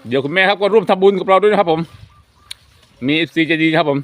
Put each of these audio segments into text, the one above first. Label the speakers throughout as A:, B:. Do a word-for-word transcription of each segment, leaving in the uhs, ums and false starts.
A: เดี๋ยวคุณแม่ครับก็ร่วมทำบุญกับเราด้วยนะครับผมมีเอฟซีใจดีครับผม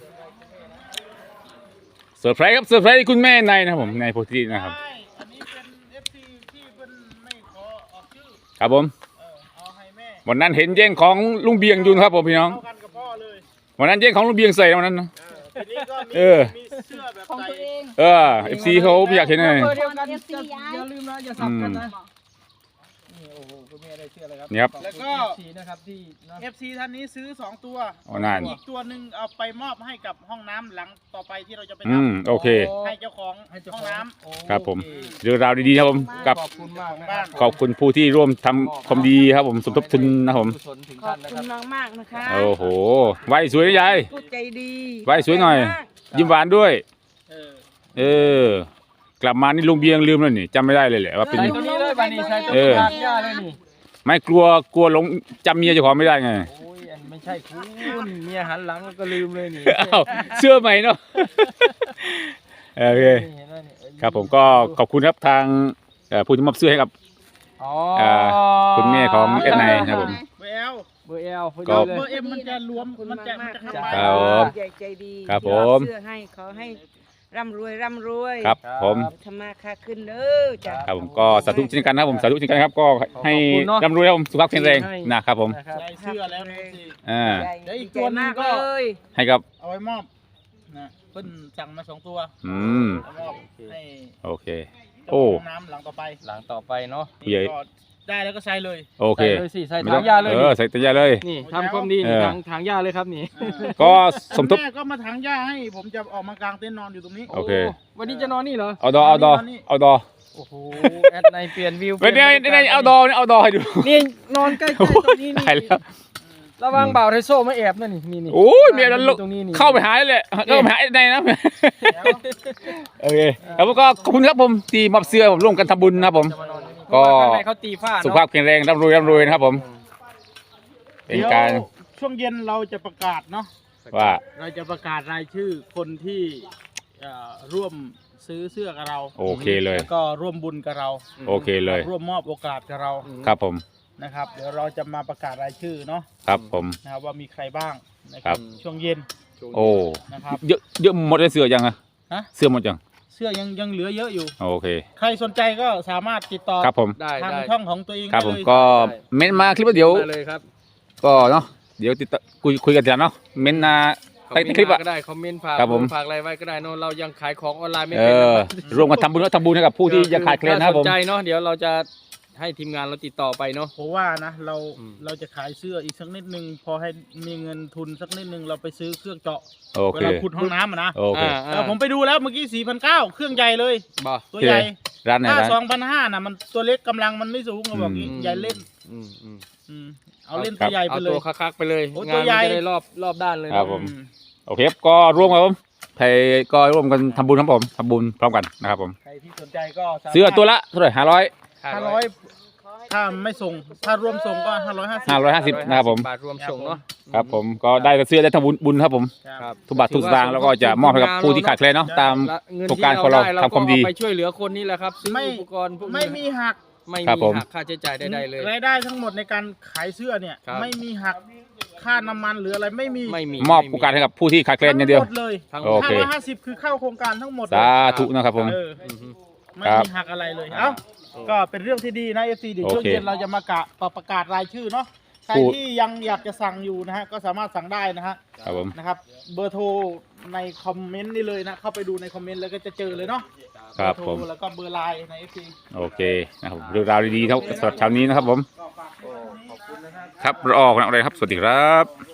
A: เซอร์ไพรส์ครับเซอร์ไพรส์คุณแม่ในนะครับผมในโพธินะครับ
B: อันนี้เป็น เอฟ ซี ที่เพิ่นไม่ขอออกชื่อ
A: ครับผม
B: เออเอาให้แม่
A: วันนั้นเห็นแย่งของลุงเบียงอยู่นะครับผมพี่น้อง
B: เท่ากันกับพ่อเลย
A: วันนั้นแย่งของลุงเบียงใส่วันนั้นนะ
B: ทีนี้ก็มี
A: เออ
B: มีเสื้อแบบ
C: ของ
B: ใส่
C: ตัวเอง
A: เออเอฟซีเขาอยากเห็นเลย
D: เบอร์เดียวกันอย่าลืมนะอย่าสับกันนะนี่โอ้โหคุณแม่ได้เชื่อเลยครับ
A: นี่ครับ
B: แล้วก็
D: สีนะครับที่นะ
B: เอฟ ซี ท่านนี้ซื้อสองตัว
A: อ๋อนั่น
B: อีกตัวหนึ่งเอาไปมอบให้กับห้องน้ำหลังต่อไปที่เราจะไป
A: อื
B: ท
A: มโอเค
B: ำให้เจ้าของ
D: ให้เจ้า
B: ห้อง
D: ของ
B: น้
D: โอ
A: ครับผม
D: โอเ
A: เรื่องราวดีๆครับผมกับ
D: ขอบคุณมากนะครับ
A: ขอบคุณผู้ที่ร่วมทำความดีครับผมสมทบทุนนะครับผม
D: กุศลถึง
C: ขอ
D: ท่า
C: บ
D: นนะค
C: คุ
D: รับ
C: ณมากๆนะคะ
A: โอ้โหไหวสวยนะยาย
C: พูดใจดี
A: ไหว้สวยหน่อย ยิ้มหวานด้วย
B: ำเออ
A: เออกลับมานี่ลุงเบียงลืมแล้วนี่จำไม่ได้เลยแหละว่าเป็น
D: ใส่ตัวนี้เลยบานี่ใส่ตัว
A: เออ
D: ทานย่าเลยนี่
A: ไม่กลัวกลัวหลงจำเมียเจ้าของไม่ได้ไง
D: โอ้ยอันไม่ใช่คุณเมียหันหลังก็ลืมเลยนี่
A: อ้าวเสื้อใหม่เนาะโอเค
D: นี่เห็นไหมนี่เอ้ย
A: ครับผมก็ขอบคุณครับทางเอ่อผู้ที่มอบเสื้อให้กับ
D: อ๋อ
A: เอ่อคุณแม่ของเอ็ดไนนะครับผม
B: เบล
D: เบอร์เอลพอ
A: ก็
D: ดีเลย
B: เบอร์เอ็มมันจะรวมมันจะมันจะเข้าไป
A: ครับผม
C: ใจใจดี
A: ครับผม
C: เสื้อให้ขอให้ร่ำรวยร่ำรวย
A: ครับผม
C: ธรรมาค่าขึ้นเด้อจ้ะ
A: ครับผมก็สาธุเช่นกันนะครับผมสาธุเช่นกันครับก็ให้ร่ำรวยครับผมสุขภาพแข็งแรงนะครับผม
D: นะครับ
B: ใส่เสื้อแล้วนะสิ
A: อ่า
B: เดี๋ยวอีกตัวหนึ่งก็
C: ดีใจมากเลย
A: ให้กับ
B: เอาไว้มอบนะเพิ่นสั่งมาสองตัว
A: อืม
B: เอามอบให้
A: โอเค
B: เจ้า
A: โอ้
B: ของน้ำหลังต่อไป
D: หลังต่อไปเนาะ
A: ผู้ใหญ่
B: นี่ก็ได้แล้วก็ใส่เลย
A: โอเค
D: ใส่เลยสิใส่
A: ไม่
D: ถั
A: ต้อง
D: งยาเลย
A: เอ
D: นี่
A: อใส่ตัวยาเลย
D: นี่ทำความดี
A: เอ
D: นี่
A: อ
D: ถังถังยาเลยครับนี่
A: ก็สมทบ
B: แม่ก็มาถังหญ้าให้ผมจะออกมากางเต็นท์นอนอยู่ตรงนี้
A: โอเค
D: วันนี้จะนอนนี่เหรอ
A: เอาดอเอาดอเอาดอ
D: โอ้โหแอดในเปลี่ยนวิว
A: ไม่ได้ไม่ได้เอาดอนี่เอาดอให้ดู
D: นี่นอนใกล้ๆตรงนี้นี่
A: ตายแล้ว
D: ระวังบ่าวไทโซ่มาแอบนั่นนี่นี่นี่
A: โอ้ยเมียนั้น
D: ตรงนี้นี่
A: เข้าไปหาเลยแหละเข้าไปหาไอ้ในนะโอเคแล้วก็ขอบคุณครับผมที่มอบเสื้อผมร่วมกันทำบุญนะครับผม
D: จะมานอนที่นี่
A: ก็
D: เพราะว่าข้างในเขาตีฝ้าเนอะ
A: สุขภาพแข็งแรงร่ำรวยร่ำรวยนะครับผม เป็นการ
B: เดี๋ยวช่วงเย็นเราจะประกาศเนาะ
A: ว่า
B: เราจะประกาศรายชื่อคนที่เอ่อร่วมซื้อเสื้อกับเรา
A: โอเคเลย
B: แล้วก็ร่วมบุญกับเรา
A: โอเคเลย
B: ร่วมมอบโอกาสกับเรา
A: ครับผม
B: นะครับ เดี๋ยวเราจะมาประกาศรายชื่อเนาะ
A: ครับผม
B: นะครับว่ามีใครบ้างนะค
A: ครั
B: รับ บช่วงเย็น
A: โอ้
B: นะครับ
A: เยอะเยอะหมดเลยเสื้อยังอะ
B: ฮะ
A: เสื้อหมดยัง
B: เสื้อยังยังเหลือเยอะอยู่
A: โอเค
B: ใครสนใจก็สามารถติดต่อ
A: ครับผม
D: ได้
B: ทาง
D: ได้
B: ช่องของตัวเอง
A: ครับ
B: ได้
A: ผม
B: เลย
A: ก็เม้นต์มาคลิปว่าเดี๋ยว
D: มาเลยครับ
A: ก็เนาะเดี๋ยวติดต่อคุยคุยกันทีหลังเนาะเม้นต์มาใครในคลิปอะ
D: ก็ได้คอมเมนต์ฝาก
A: ครับผม
D: ฝากอะไรไว้ก็ได้เนอะเรายังขายของออนไลน์ไม่
A: เอ
D: เป็น
A: อ
D: นะครับ
A: ร่วมกันทำบุญและทำบุญให้กับผู้ที่ยังขาดแคลนนะครับผม
D: ถ้าสนใจเนาะเดี๋ยวเราจะให้ทีมงานเราติดต่อไปเนาะ
B: ผมว่านะเรา
D: อืม
B: เราจะขายเสื้ออีกสักนิดนึงพอให้มีเงินทุนสักนิดนึงเราไปซื้อเครื่องเจาะ
A: โอ
B: เว
A: เค
B: ลาขุดห้องน้ำอะนะ
A: โอเค
D: อ่าอ่า
B: แต่ผมไปดูแล้วเมื่อกี้สี่พันเก้าเครื่องใหญ่เลย
D: บ่
B: ตัวใหญ่
A: ร้านไหน
B: ถ้า
A: ร้าน
B: สองพันห้าน่ะมันตัวเล็กกำลังมันไม่สูงเขาบอก
A: อืม
B: งี้ใหญ่เล่น
D: อืมอืม
B: อืมเอาเล่นตัวใหญ่ไป
D: เอา
B: เล
D: ตั
B: ยว
D: คักๆไปเลย
B: โอ้
D: งา
B: ตั
D: น
B: วใหญ่
D: มันจะได้รอบรอบด้านเลย
A: ครับ
D: เนอะ
A: ผม
B: อืม
A: โอเคครับก็ร่วมครับผมไทยก็ร่วมกันทำบุญครับผมทำบุญพร้อมกันนะครับผม
B: ใครที่สนใจก็สามารถ
A: เสื้อตัวละเท่าไหร่ห้าร้อย
B: ห้าร้อยถ้าไม่ส่งถ้ารวมส่งก็ห้าร้อยห้าสิบ
A: ห้าร้อยห้าสิบนะครับผม
D: บาทรวมส่งเนาะ
A: ครับผมก็ได้เสื้อได้ทำบุญบุญครับผม
D: ครับ
A: ทุกบาททุกสตางค์แล้วก็จะมอบให้กับผู้ที่ขาดแคลนเนาะตาม
D: และเงิน
A: โครง
D: ที่
A: การ
D: เรา
A: ของเรา
D: ได้เรา
A: ทำความดี
D: ก็เอาไปช่วยเหลือคนนี่แหละครับซื้อ
B: ไม่
D: อุปกรณ์พวกนี้
B: ไม่มีหัก
D: ไม่
A: ครับ
D: มี
A: ผม
D: หักค่าใช้จ่ายใดๆเลย
B: รายได้ทั้งหมดในการขายเสื้อเนี่ย
D: ครับ
B: ไม่มีหักค่าน้ำมันหรืออะไรไม่มี
D: ไม่มี
A: มอบโอกาสให้กับผู้ที่ขาดแคลนอย่างเดียว
B: ทั้งหมดเลย
D: ทั้งห
A: โอ
D: มด
A: เค
B: ห้าร้อยห้าสิบคือเข้าโครงการทั้งหมดเลย
A: สาธุนะครับผม
B: เออ
D: อือฮึ
B: ไม่
A: ครับ
B: มีหักอะไรเลย เอ้า ก็เป็นเรื่องที่ดีนะเอฟซีเดี๋ยวช่วง
A: โอเค
B: เย็นเราจะมากะประกาศรายชื่อเนาะ ใคร
A: พูด
B: ที่ยังอยากจะสั่งอยู่นะฮะ ก็สามารถสั่งได้นะฮะ
A: ครับผม
B: นะครับ เบอร์โทรในคอมเมนต์นี่เลยนะ เข้าไปดูในคอมเมนต์แล้วก็จะเจอเลยเนาะ
A: ครับ
B: เอ
A: ผม
B: โทรแล้วก็เบอร์ไลน์ในเอฟซี
A: โอเคนะครับเรื่องราวดีๆเท่าสำหรับเช้านี้นะครับผม
B: ก็ฝากไว้ตรงนี้
A: ครับรอออกนะอะไรครับ สวัสดีครับ